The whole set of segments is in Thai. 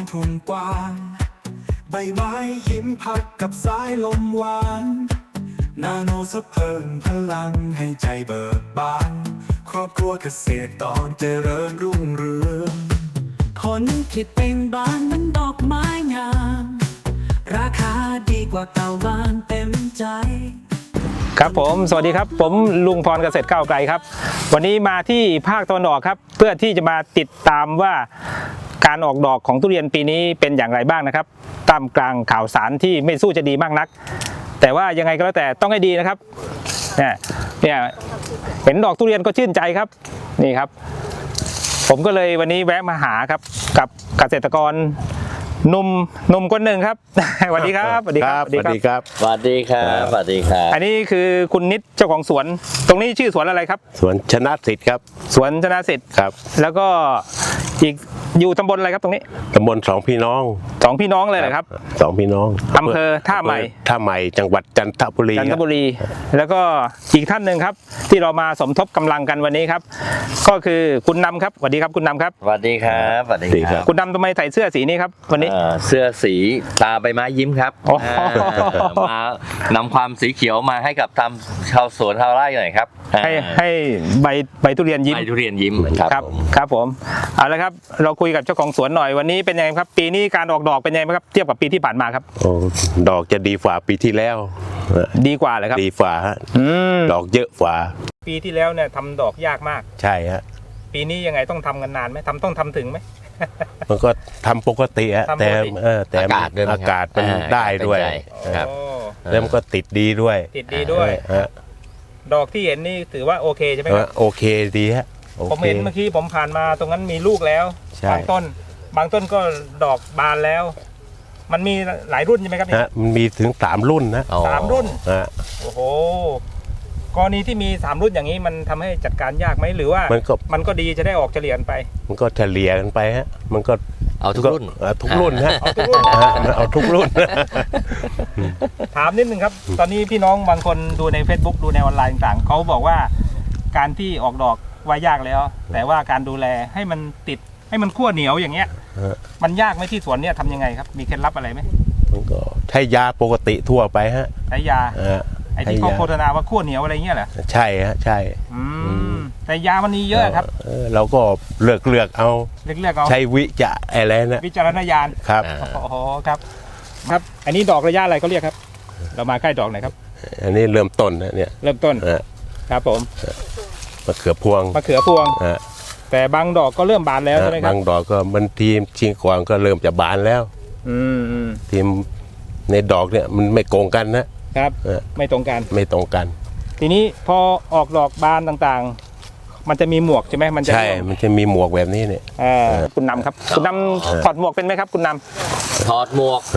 ทุ่งกว้างใบไม้ยิ้มพัดกับสายลมหวานนาโนสะเพิ่มพลังให้ใจเบิกบานครอบครัวเกษตรตอนเจริญรุ่งเรืองผลผลิตเบ่งบานมันดอกไม้งามราคาดีกว่าเก่าบานเต็มใจครับผมสวัสดีครับผมลุงพรเกษตรก้าวไกลครับวันนี้มาที่ภาคตะวันออกครับเพื่อที่จะมาติดตามว่าการออกดอกของทุเรียนปีนี้เป็นอย่างไรบ้างนะครับท่ามกลางข่าวสารที่ไม่สู้จะดีมากนักแต่ว่ายังไงก็แล้วแต่ต้องให้ดีนะครับเนี่ยเห็นดอกทุเรียนก็ชื่นใจครับนี่ครับผมก็เลยวันนี้แวะมาหาครับกับเกษตรกรหนุ่มคนหนึ่งครับสวัสดีครับสวัสดีครับสวัสดีครับสวัสดีครับสวัสดีครับอันนี้คือคุณนิดเจ้าของสวนตรงนี้ชื่อสวนอะไรครับสวนชนะสิทธิ์ครับสวนชนะสิทธิ์ครับแล้วก็อีกอยู่ตำบลอะไรครับตรงนี้ตำบลสองพี่น้องเลยเหรอครับสองพี่น้องอำเภอท่าใหม่จังหวัดจันทบุรีแล้วก็อีกท่านหนึ่งครับที่เรามาสมทบกำลังกันวันนี้ครับก็คือคุณนำครับสวัสดีครับคุณนำครับสวัสดีครับสวัสดีครับคุณนำทำไมใส่เสื้อสีนี้ครับวันนี้เสื้อสีตาใบไม้ยิ้มครับมานำความสีเขียวมาให้กับทำชาวสวนชาวไร่หน่อยครับให้ใบทุเรียนยิ้มใบทุเรียนยิ้มครับผมเอาละครับเราคุยกับเจ้าของสวนหน่อยวันนี้เป็นยังไงครับปีนี้การออกดอกเป็นยังไงครับเทียบกับปีที่ผ่านมาครับโอ้ดอกจะดีกว่าปีที่แล้วดีกว่าเลยครับดีกว่าฮะดอกเยอะกว่าปีที่แล้วเนี่ยทำดอกยากมากใช่ฮะปีนี้ยังไงต้องทำกันนานไหมต้องทำถึงไหมมันก็ทำปกติฮะแต่อากาศมันได้ด้วยครับแล้วมันก็ติดดีด้วยดอกที่เห็นนี่ถือว่าโอเคใช่ไหมครับโอเคดีฮะผมเห็นเมื่อกี้ผมผ่านมาตรงนั้นมีลูกแล้วบางต้นก็ดอกบานแล้วมันมีหลายรุ่นใช่ไหมครับมันมีถึง3รุ่นนะ 3รุ่นโอ้โหกรณีที่มี3รุ่นอย่างนี้มันทำให้จัดการยากไหมหรือว่ามันก็ดีจะได้ออกเฉลี่ยไปมันก็เฉลี่ยกันไปฮะมันก็เอาทุกรุ่นฮะเอาทุกรุ่นถามนิดนึงครับตอนนี้พี่น้องบางคนดูใน Facebook ดูในออนไลน์ต่างๆเขาบอกว่าการที่ออกดอกว่ายากแล้วแต่ว่าการดูแลให้มันติดให้มันขั้วเหนียวอย่างเงี้ยมันยากไหมที่สวนเนี่ยทำยังไงครับมีเคล็ดลับอะไรไหมมันก็ใช้ยาปกติทั่วไปฮะใช้ยาไอ้ที่เขาโฆษณาว่าขั้วเหนียวอะไรเงี้ยเหรอใช่ฮะใช่แต่ยามันมีเยอะครับเราก็เลือกเอาใช้อะไรนะวิจารณญาณครับโอ้โหครับอันนี้ดอกระยะอะไรเขาเรียกครับเรามาใกล้ดอกไหนครับอันนี้เริ่มต้นนะเนี่ยเริ่มต้นครับผมมะเขือพวงแต่บางดอกก็เริ่มบานแล้วใช่ไหมครับบางดอกก็มันทีมชิงกวางก็เริ่มจะบานแล้วทีมในดอกเนี่ยมันไม่โกงกันนะครับไม่ตรงกัน ทีนี้พอออกดอกบานต่างๆมันจะมีหมวกใช่ไหมใช่มันจะมีหมวกแบบนี้เนี่ยคุณนำครับคุณนำถอดหมวกเป็นไหมครับคุณนำถอดหมวก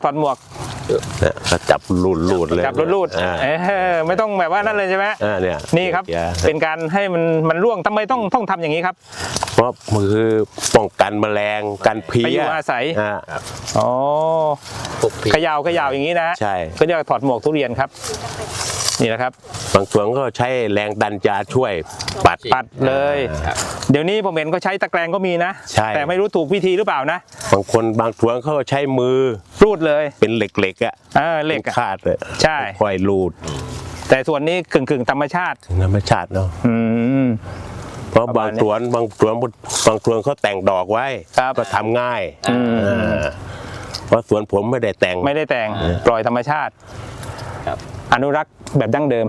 จับรูดเลยจับรูดไม่ต้องแบบว่านั่นเลยใช่ไหมเนี่ยนี่ครับเป็นการให้มันร่วงทำไมต้องทำอย่างนี้ครับเพราะมือป้องกันแมลงกันเพี้ยอาศัยอ๋อขยาวอย่างนี้นะใช่ก็เรียกถอดหมวกทุเรียนครับนี่แหละครับบางส่วนก็ใช้แรงดันยาช่วยปัดเลยเดี๋ยวนี้ผมเห็นเขาใช้ตะแกรงก็มีนะแต่ไม่รู้ถูกวิธีหรือเปล่านะบางส่วนเขาใช้มือรูดเลยเป็นเหล็กเหล็กขาดเลยใช่ค่อยรูดแต่ส่วนนี้กึ่งธรรมชาติเนาะเพราะบางส่วนเขาแต่งดอกไว้ก็ทำง่ายเพราะสวนผมไม่ได้แต่งปล่อยธรรมชาติอนุรักษ์แบบดั้งเดิม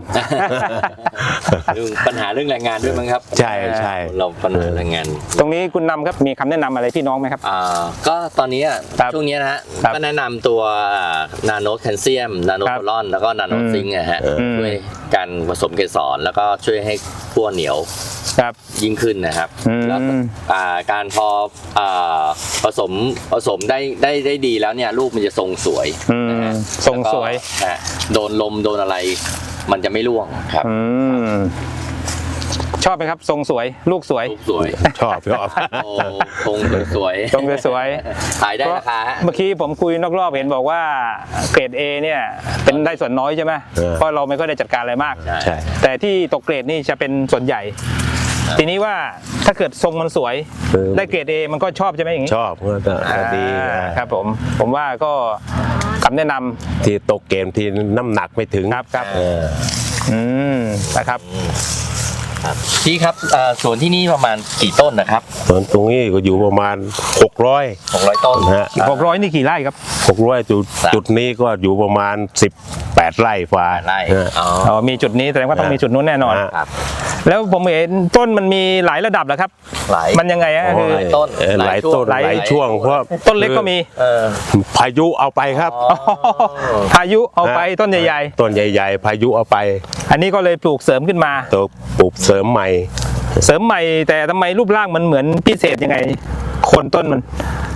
ปัญหาเรื่องแรงงานด้วยมั้งครับใช่เราปัญหาแรงงานตรงนี้คุณนำครับมีคำแนะนำอะไรพี่น้องไหมครับก็ตอนนี้ช่วงนี้นะฮะก็แนะนำตัวนาโนแคลเซียมนาโนโพลอนแล้วก็นาโนซิงค์นะฮะช่วยการผสมเกสรแล้วก็ช่วยให้ขั้วเหนียวยิ่งขึ้นนะครับแล้วการพอผสมได้ดีแล้วเนี่ยลูกมันจะทรงสวยทรงสวยโดนลมโดนอะไรมันจะไม่ร่วงครับชอบไหมครับทรงสวยลูกสวยชอบทรงสวยขายได้ราคาเมื่อกี้ผมคุยนอกรอบเห็นบอกว่าเกรด A เนี่ยเป็นได้ส่วนน้อยใช่ไหมเพราะเราไม่ค่อยได้จัดการอะไรมากแต่ที่ตกเกรดนี่จะเป็นส่วนใหญ่ทีนี้ว่าถ้าเกิดทรงมันสวยได้เกรด A มันก็ชอบใช่ไหมอย่างนี้ชอบก็ดีครับผมว่าก็คำแนะนำที่ตกเกมที่น้ำหนักไม่ถึงครับนะครับพี่ครับสวนที่นี่ประมาณกี่ต้นนะครับส่วนตรงนี้ก็อยู่ประมาณ600 ต้นนะฮะ 600นี่กี่ไร่ครับ 600จุดนี้ก็อยู่ประมาณ18 ไร่ฝ่าไร่อ๋อมีจุดนี้แสดงว่าต้องมีจุดนู้นแน่นอนครับแล้วผมเห็นต้นมันมีหลายระดับเหรอครับ มันยังไงฮะคือหลายต้นหลายต้นหลายช่วงเพราะต้นเล็กก็มีพายุเอาไปครับพายุเอาไปต้นใหญ่ต้นใหญ่ๆพายุเอาไปๆอันนี้ก็เลยปลูกเสริมขึ้นมาตัวปลูกเสริมใหม่เสริมใหม่แต่ทำไมรูปร่างมันเหมือนพิเศษยังไงโคนต้นมัน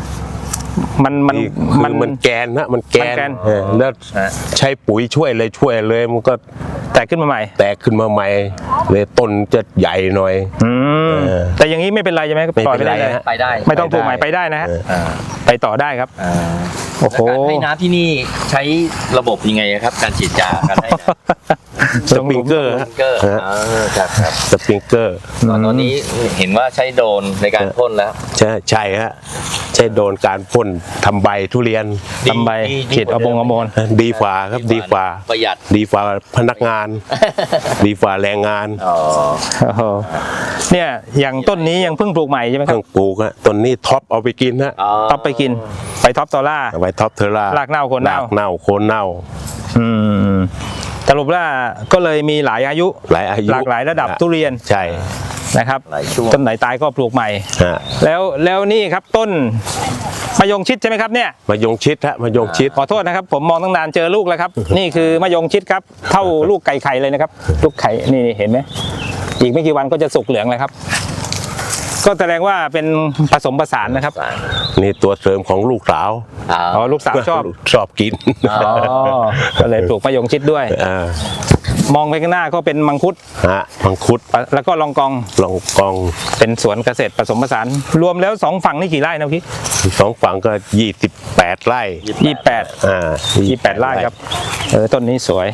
มันแกนนะมันแกมันแกนนแล้วใช้ปุ๋ยช่วยเลยมันก็แตกขึ้นมาใหม่แตกขึ้นมาใหม่เลยต้นจะใหญ่หน่อยแต่อย่างนี้ไม่เป็นไรใช่ไหมปล่อยไปได้เลยไปได้ไม่ต้องปลูกใหม่ไปได้นะฮะไปต่อได้ครับโอ้โหการให้น้ำที่นี่ใช้ระบบยังไงครับ การฉีดยาการให้น้ำสปริงเกอร์เกอร์ครับสปริงเกอร์ตอนนี้เห็นว่าใช้โดรนในการพ่นแล้วใช่ฮะใช้โดนการพ่นทำใบทุเรียนทำใบฉีดเอาบงเอาโมนดีฝ่าครับดีฝ่าประหยัดดีฝ่าพนักงาน ดีฝ่าแรงงานอ๋อโอ้โหเนี่ยอย่างต้นนี้ยังเพิ่งปลูกใหม่ใช่ไหมเคครัรื่บองปลูกฮะต้นนี้ท็อปเอาไปกินฮะท็อปไปกินไปท็อปตอล่าเอาไว้ท็อปเทอร่ารากเน่าโคนเน่ารากเน่าโคนเน่าสรุปว่าก็เลยมีหลายอายุหลายอายุหลากหลายระดับทุเรียนใช่นะครับหลายช่วงต้นไหนตายก็ปลูกใหม่ฮะแล้วนี่ครับต้นมะยงชิดใช่ไหมครับเนี่ยมายงชิดฮะมายงชิดขอโทษนะครับผมมองตั้งนานเจอลูกแล้วครับ นี่คือมะยงชิดครับเท่าลูกไก่ไข่เลยนะครับ ลูกไข่นี่เห็นไหมอีกไม่กี่วันก็จะสุกเหลืองเลยครับ ก็แสดงว่าเป็นผสมผสานนะครับนี่ตัวเสริมของลูกสาวอ๋อลูกสาวชอบชอบกินอ๋อก็เลยปลูกมะยงชิดด้วย มองไปข้างหน้าก็เป็นมังคุดฮะมังคุดแล้วก็ลองกองลองกองเป็นสวนเกษตรผสมผสานรวมแล้ว2ฝั่งนี่กี่ไร่นะพี่สองฝั่งก็28 ไร่ 28ไร่ครับต้นนี้สวย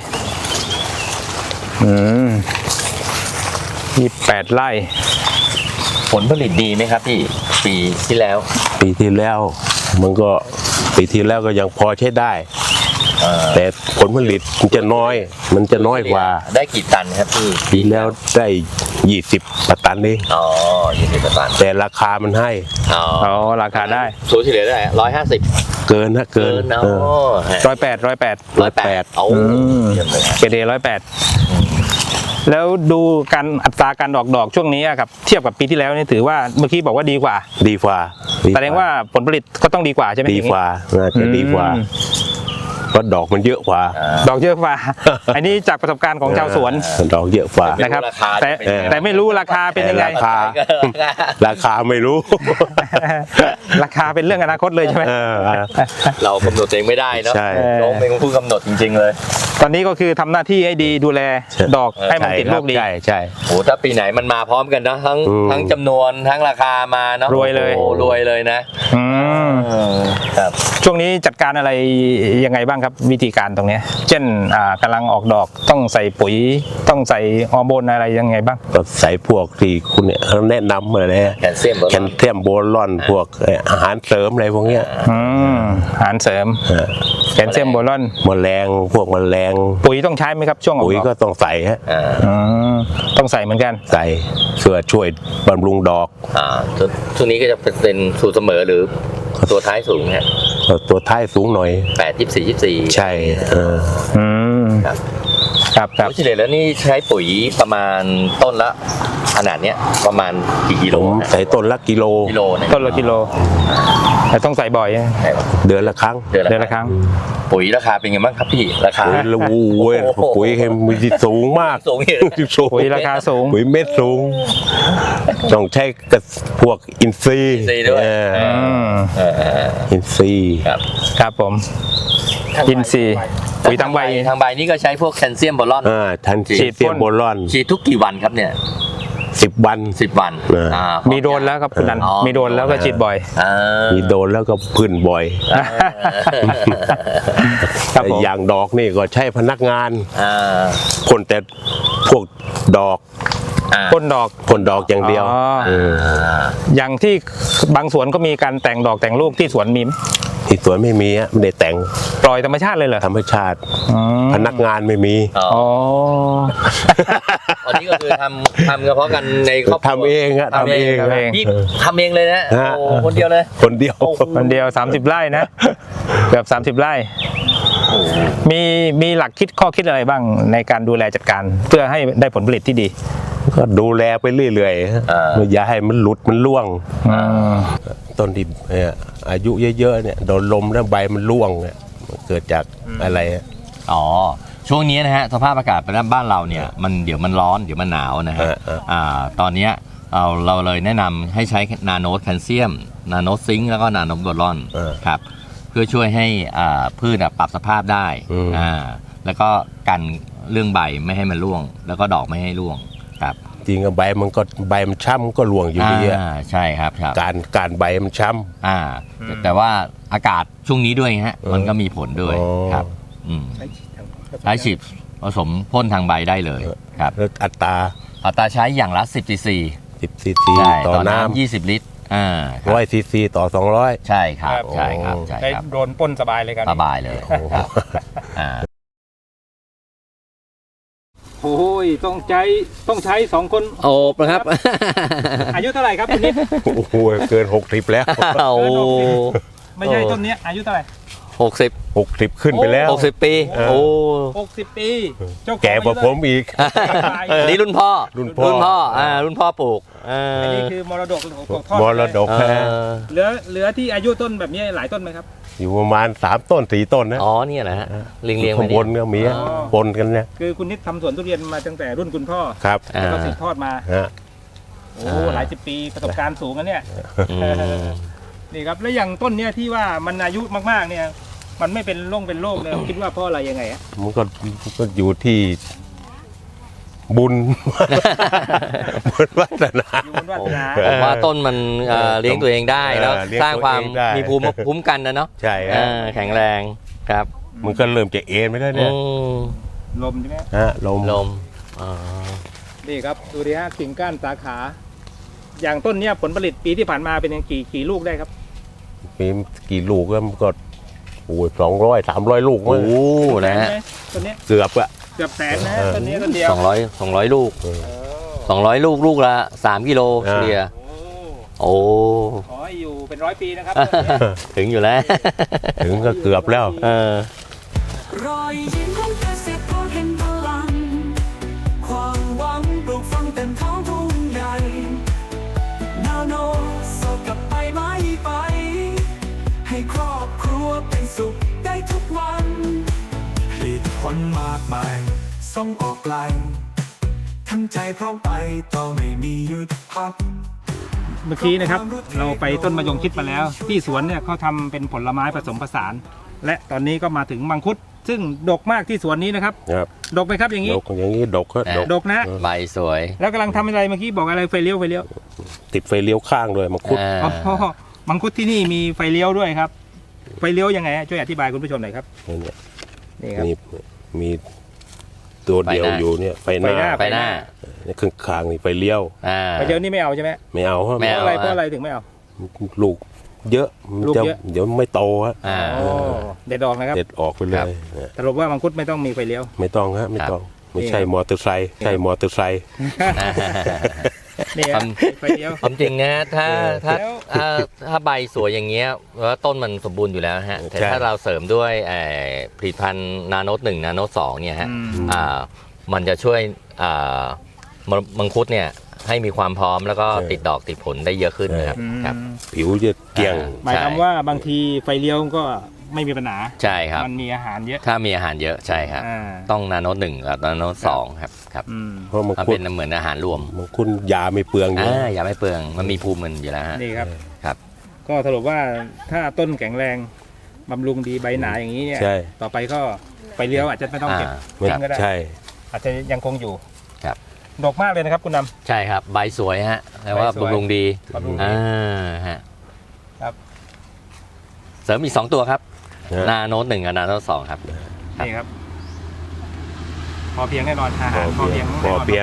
28ไร่ผลผลิตดีไหมครับพี่ปีที่แล้วปีที่แล้วมันก็ปีที่แล้วก็ยังพอใช้ได้ แต่ผลผลิตมันจะน้อยกว่าได้กี่ตันครับพี่ปีแล้วได้20 ตันเองอ๋อ20 ตันแต่ราคามันให้อ๋ออ๋อราคาได้สูตรเฉลี่ยได้150 เกินนะเกินเนาะ 108 เอาเยี่ยมเลยเกรดเอ108แล้วดูการอัตราการออกดอกช่วงนี้ครับเทียบกับปีที่แล้วนี่ถือว่าเมื่อกี้บอกว่าดีกว่าดีกว่าแสดงว่าผลผลิตก็ต้องดีกว่าใช่ไหมดีกว่าน่าจะดีกว่าเพราะดอกมันเยอะกว่าดอกเยอะกว่า อันนี้จากประสบการณ์ของชาวสวนดอกเยอะกว่านะครับแต่ไม่รู้ราคาเป็นยังไงราคาไม่รู้ราคาเป็นเรื่องอนาคตเลยใช่ไหมเรากำหนดเองไม่ได้เนาะใช่น้องเป็นผู้กำหนดจริงๆเลยตอนนี้ก็คือทำหน้าที่ให้ดีดูแลดอกให้มันติดลูกดีใช่โอ้ถ้าปีไหนมันมาพร้อมกันนะทั้งจำนวนทั้งราคามาเนาะรวยเลยโอ้รวยเลยนะ ครับช่วงนี้จัดการอะไรยังไงบ้างครับวิธีการตรงเนี้ยเช่นกำลังออกดอกต้องใส่ปุ๋ยต้องใส่ฮอร์โมนอะไรยังไงบ้างก็ใส่พวกที่คุณเนี่ยเขาแนะนำเลยแคลเซียมแคลเซียมโบรอนพวกอาหารเสริมอะไรพวกเนี้ยอาหารเสริมแคลเซียมโบรอนแมลงพวกแมลงปุ๋ยต้องใช้ไหมครับช่วงออกปุ๋ยดอกก็ต้องใส่ฮะต้องใส่เหมือนกันใส่เพื่อช่วยบำรุงดอกช่วงนี้ก็จะเป็นสูตรเสมอหรือตัวท้ายสูงฮะตัวท้ายสูงหน่อย 8 24 24 ใช่ครับครับเฉลี่ยแล้วนี่ใช้ปุ๋ยประมาณต้นละขนาดเนี้ยประมาณกี่กิโลผมใส่ต้นละกิโลเนี่ยต้นละกิโลแต่ต้องใส่บ่อยเดือนละครั้งเดือนละครั้งปุ๋ยราคาเป็นไงบ้างครับพี่ราคาปุ๋ยละวูเว้ยปุ๋ยมีสูงมากสูงอยู่ปุ๋ยราคาสูงปุ๋ยเม็ดสูงต้องใช้กับพวกอินทรีย์ด้วยอินทรีย์ครับผมอินซีย์ปุ๋ยทางใบทางใบนี่ก็ใช้พวกแคลเซียมโบรอนทันฉีฉีดดเซียมโบรอนฉีดทุกกี่วันครับเนี่ย 10 วัน 10 วันมีโดรนแล้วครับคุณนันมีโดรนแล้วก็ฉีดบ่อยมีโดนแล้วก็พื้นบ่อยครับผมอย่างดอกนี่ก็ใช้พนักงานคนแต่พวกดอกพ่นดอกพ่นดอกอย่างเดียวอ๋ออย่างที่บางสวนก็มีการแต่งดอกแต่งลูกที่สวนมีไหมที่สวนไม่มีไม่ได้แต่งปล่อยธรรมชาติเลยเหรอธรรมชาติ พนักงานไม่มีอ๋ออันนี้ก็คือทำเฉพาะกันในครอบครัวทำเองฮะทำเองทำเองพี่ทำเองเลยนะโอ้คนเดียวเลยคนเดียวคนเดียว30 ไร่นะ เกือบ30 ไร่มีหลักคิดข้อคิดอะไรบ้างในการดูแลจัดการเพื่อให้ได้ผลผลิตที่ดีก็ดูแลไปเรื่อยๆไม่อย่าให้มันหลุดมันร่วงต้นที่อายุเยอะๆเนี่ยโดนลมแล้วใบมันร่วงเนี่ยมันเกิดจากอะไรอ๋อช่วงนี้นะฮะสภาพอากาศบ้านเราเนี่ยมันเดี๋ยวมันร้อนเดี๋ยวมันหนาวนะฮะตอนนี้เราเลยแนะนำให้ใช้นาโนแคลเซียมนาโนซิงค์แล้วก็นาโนโบรอนครับเพื่อช่วยให้พืชปรับสภาพได้แล้วก็กันเรื่องใบไม่ให้มันร่วงแล้วก็ดอกไม่ให้ร่วงครับจริงใบมันช้ำก็ร่วงอยู่ดีใช่ครับการใบมันช้ำแต่ว่าอากาศช่วงนี้ด้วยฮะมันก็มีผลด้วยครับใช้ฉีดผสมพ่นทางใบได้เลยครับอัตราใช้อย่างละ10 cc ต่อน้ำ20 ลิตร 100 cc ต่อ200 ใช่ครับใช่ครับใช่ครับโดนพ่นสบายเลยครับสบายเลยโอ้ยต้องใช้2 คนโอบนะครับอายุเท่าไหร่ครับคุณนิดโอ้โหเกิน60แล้วไม่ใช่ต้นนี้อายุเท่าไหร่ 60ขึ้นไปแล้ว 60 ปีโอ้ 60 ปีแก่กว่าผมอีกนี่รุ่นพ่อรุ่นพ่อปลูกอันนี้คือมรดกมรดกเหลือที่อายุต้นแบบนี้หลายต้นไหมครับอยู่ประมาณ3 ต้น 4 ต้นนะนี่แหละฮะเรียงข้างบนก็มีปนกันเนี่ยคือคุณนิดทำสวนทุเรียนมาตั้งแต่รุ่นคุณพ่อครับแล้วก็สืบทอดมาโอ้หลาย10 ปีประสบการณ์สูงนะเนี่ยนี่ครับแล้วอย่างต้นเนี้ยที่ว่ามันอายุมากๆเนี่ยมันไม่เป็นโรคเลยคิดว่าเพราะอะไรยังไงมันก็อยู่ที่บุญวาสนาผมว่าต้นมันเลี้ยงตัวเองได้แล้วสร้างความมีภูมิคุ้มกันนะเนาะใช่แข็งแรงครับมันก็เริ่มจะเอ็นไปแล้วเนี่ยลมใช่ไหมลมนี่ครับดูดิฮะกิ่งก้านสาขาอย่างต้นเนี้ยผลผลิตปีที่ผ่านมาเป็นกี่ลูกได้ครับมีกี่ลูกก็โอ้ย200-300 ลูกโอ้นะฮะต้นนี้เกือบแสนนะต้นนี้ต้นเดียว 200 ลูก200 ลูกละ3 กิโลเฉลี่ยโอ้ขออยู่เป็น100 ปีนะครับถึงอยู่แล้วถึงก็เกือบแล้วรอยยิ้มของเกษตรกรเห็นพลังความหวังปลูกฝังเต็มท้องทุ่งใหญ่นาโนสดกับใบไม้ไปให้ครอบครัวเป็นสุขได้ทุกวันผลิตผลมากมายส่งออกไกลทั้งใจพร้อมไปต่อไม่มีหยุดพักเมื่อกี้นะครับเราไปต้นมะยงชิดมาแล้วที่สวนเนี่ยเขาทำเป็นผลไม้ผสมผสานและตอนนี้ก็มาถึงมังคุดซึ่งดกมากที่สวนนี้นะครับดกไหมครับอย่างนี้ดกนะใบสวยแล้วกำลังทำอะไรเมื่อกี้บอกอะไรไฟเลี้ยวติดไฟเลี้ยวข้างด้วยมังคุดมังคุดที่นี่มีไฟเลี้ยวด้วยครับไฟเลี้ยวยังไงช่วยอธิบายคุณผู้ชมหน่อยครับนี่ครับมีตัวเดียวอยู่เนี่ยไฟหน้านี่ข้างนี่ไฟเลี้ยวไฟเลี้ยวนี่ไม่เอาใช่ไหมไม่เอาเพราะอะไรถึงไม่เอาลูกเยอะเดี๋ยวไม่โตฮะเด็ดออกนะครับเด็ดออกไปเลยสรุปว่ามังคุดไม่ต้องมีไฟเลี้ยวไม่ต้องฮะไม่ต้องไม่ใช่มอเตอร์ไซค์นี่ไฟเลี้ยวความจริงนะถ้าใบสวยอย่างเงี้ยแล้วต้นมันสมบูรณ์อยู่แล้วฮะแต่ถ้าเราเสริมด้วยผลิตภัณฑ์นาโน1นาโน2เนี่ยฮะมันจะช่วยมังคุดเนี่ยให้มีความพร้อมแล้วก็ติดดอกติดผลได้เยอะขึ้นนะครับผิวจะเกลี้ยงหมายความว่าบางทีไฟเลี้ยวก็ไม่มีปัญหาใช่ครับมันมีอาหารเยอะถ้ามีอาหารเยอะใช่ครับต้องนาโน1กับนาโน2ครับเพราะมันเป็นเหมือนอาหารรวมมันคุณยาไม่เปลืองยาไม่เปลืองมันมีภูมิมันอยู่แล้วฮะนี่ครับครับก็สรุปว่าถ้าต้นแข็งแรงบำรุงดีใบหนาอย่างนี้เนี่ยต่อไปก็ไฟเลี้ยวอาจจะไม่ต้องเก็บก็ได้อาจจะยังคงอยู่ครับดกมากเลยนะครับคุณนำใช่ครับใบสวยฮะแต่ว่าบำรุงดีฮะครับเสริมอีก2 ตัวครับนาโน1กับนาโน2ครับนี่ครับพอเพียงแน่นอนอาหารพอเพียง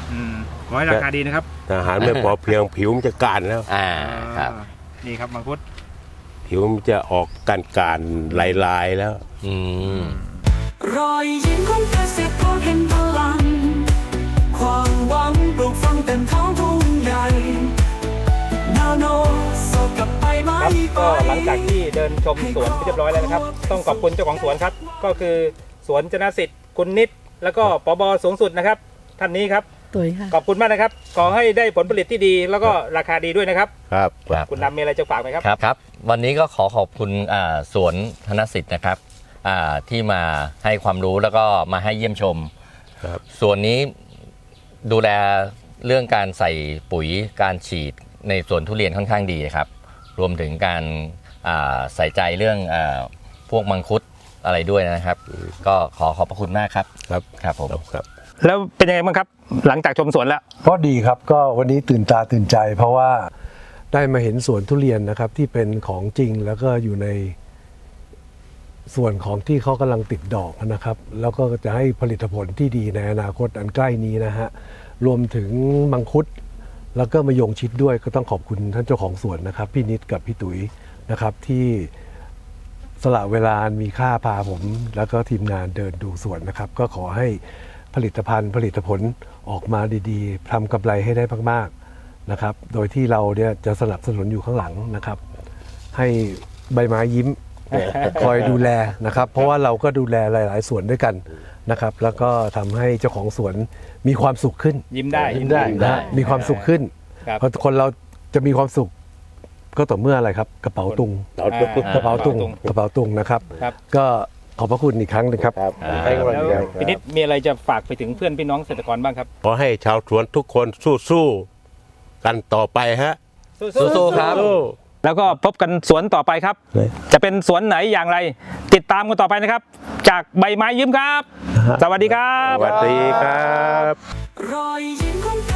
ขอให้ราคาดีนะครับอาหารไม่พอเพียงผิวมันจะก้านแล้วครับนี่ครับมังคุดผิวมันจะออกการลายๆแล้วรอยยิ้มของเกษตรกรเห็นพลัง ความหวังปลูกฝังเต็มท้องทุ่งใหญ่นาโนสดกับใบไม้ครับไปก็หลังจากที่เดินชมสวนเรียบร้อยแล้วนะครับ ต้องขอบคุณเจ้าของสวนครับ ก็คือสวนชนะสิทธิ์คุณนิดแล้วก็ปบสูงสุดนะครับท่านนี้ครับตุ๋ยค่ะขอบคุณมากนะครับ ขอให้ได้ผลผลิตที่ดีแล้วก็ราคาดีด้วยนะครับครับคุณดำมีอะไรจะฝากไหมครับครับ วันนี้ก็ขอขอบคุณสวนธนสิทธิ์นะครับที่มาให้ความรู้แล้วก็มาให้เยี่ยมชมครับส่วนนี้ดูแลเรื่องการใส่ปุ๋ยการฉีดในสวนทุเรียนค่อนข้างดีครับ รวมถึงการใส่ใจเรื่องพวกมังคุดอะไรด้วยนะครับ ก็ขอขอบพระคุณมากครับครับครับผมครับแล้วเป็นยังไงบ้างครับ หลังจากชมสวนแล้วก็ดีครับก็วันนี้ตื่นตาตื่นใจ เพราะว่าได้มาเห็นสวนทุเรียนนะครับที่เป็นของจริงแล้วก็อยู่ในส่วนของที่เขากำลังติดดอกนะครับ แล้วก็จะให้ผลิตผลที่ดีในอนาคตอันใกล้นี้นะฮะรวมถึงมังคุดแล้วก็มะยงชิดด้วยก็ต้องขอบคุณท่านเจ้าของสวนนะครับพี่นิดกับพี่ตุ๋ยนะครับที่สละเวลาอันมีค่าพาผม แล้วก็ทีมงานเดินดูสวนนะครับ ก็ขอให้ผลิตภัณฑ์ผลิตผลออกมาดีๆทำกำไรให้ได้มากๆนะครับ โดยที่เราเนี่ยจะสนับสนุนอยู่ข้างหลังนะครับ ให้ใบไม้ยิ้ม คอยดูแลนะครับ เพราะว่าเราก็ดูแลหลายๆสวนด้วยกันนะครับ แล้วก็ทำให้เจ้าของสวนมีความสุขขึ้นยิ้มได้นะฮะมีความสุขขึ้นครับเพราะคนเราจะมีความสุข ก็ต่อเมื่ออะไรครับกระเป๋าตุงกระเป๋าตุงนะครับครับก็ขอบพระคุณอีกครั้งหนึงครับแล้วพี่นิดมีอะไรจะฝากไปถึงเพื่อนพี่น้องเกษตรกรบ้างครับขอให้ชาวสวนทุกคนสู้ๆกันต่อไปฮะสู้ๆครับแล้วก็พบกันสวนต่อไปครับ จะเป็นสวนไหนอย่างไร ติดตามกันต่อไปนะครับ จากใบไม้ยิ้มครับ สวัสดีครับสวัสดีครับรอยยิ้มของเก